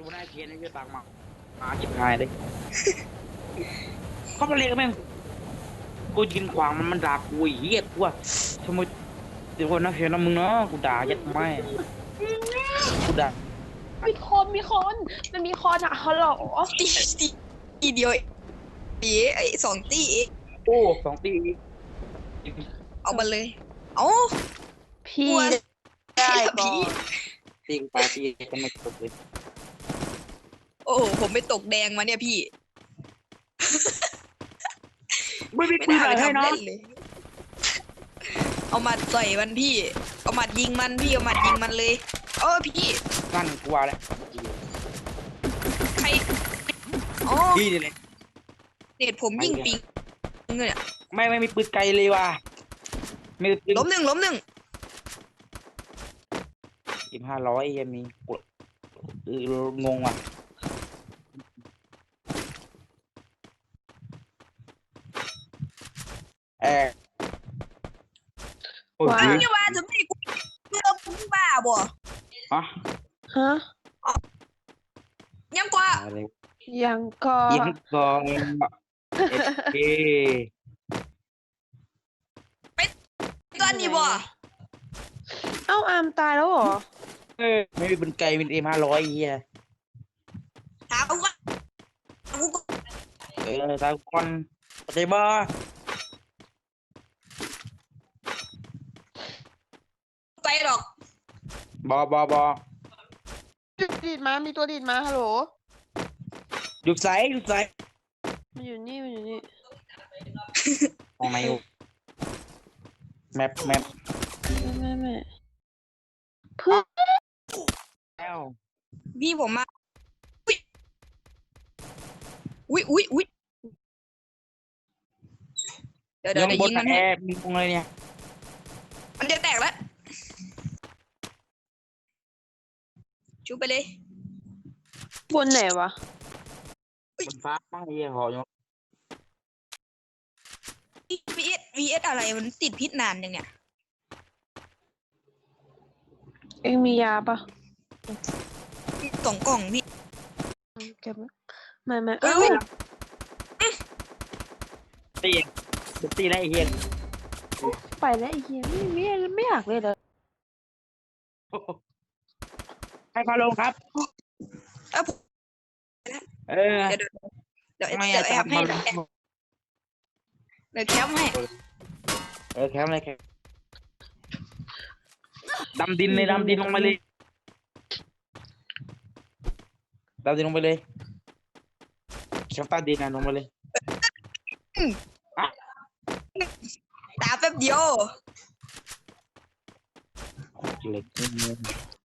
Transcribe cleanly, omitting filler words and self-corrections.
ตัวหน้าเทียนนี่จะตังมาจิบหายเลยเขามาเรียกแม่งกูยินขวางมันด่ากูเหี้ยกูว่าทำไมเดี๋ยวคนนักเทียนนะมึงเนาะกูด่ายัดไม่กูด่ามีคนมันมีคนอ่ะฮัลโหลตีตีเดียวไอ้สองตีโอ้2 ปีเอามาเลยเอ้าพี่กลัวได้ก่อพี่นตีปาตีก็ไม่จบเลยโอ้โหผมไปตกแดงมาเนี่ยพี่ไม่มีไม่ปืนน่าอะไรไปให้ทำเนาะเล่นเลยเอาหมัดใส่มันพี่เอาหมัดยิงมันพี่เอาหมัดยิงมันเลยพี่นั่นกลัวเลยใครอ๋อพี่นี่เลยเน็ตผมยิงปิงเนี่ยไม่มีปืนไกลเลยว่ะไม่มีปืนล้มหนึ่ง 500ยังมีกดงงว่ะโอ้ยนี่ว่าจะไม่กูเรื่องมึงบ้าบ่ฮะฮะยังกว่าอะไรยังก็ยังก่อนเอตอนนี้บ่เอ้าอามตายแล้วเหรอไม่มีปืนไกลเป็นM500เฮียถามว่ากูก็ทางคนปฏิบัติไปหรอกบอดีดมามีตัวดีดมาฮัลโหลหยุดใส่มันอยู่นี่ตรงไหนแมปไม่เพื่อนแล้วพี่ผมมาอุ้ยเดี๋ยวยังบยินงมันแอให้บมีตรงเลยเนี่ยมันจะแตกแล้วชูไปเลยบนไหนวะบนฟ้าบ้างเฮียหอยง VS อะไรมันติดพิษนานยังเนี่ยเอ็งมียาปะกล่องพี่เก็บไม่เอ้เอ้ายตีได้เฮียไปแล้วไอ้เหี้ยไม่อยากเลยเลยให้พาลงครับผมเออเดี๋ยวไม่แอบให้เดี๋ยวแคปให้แคมป์เลยแคมป์ดำดินเลยดำดินลงไปเลยดำดินลงไปเลยแคมป์ใต้ดินนะลงไปเลยตาแป๊บเดียวเหล็ก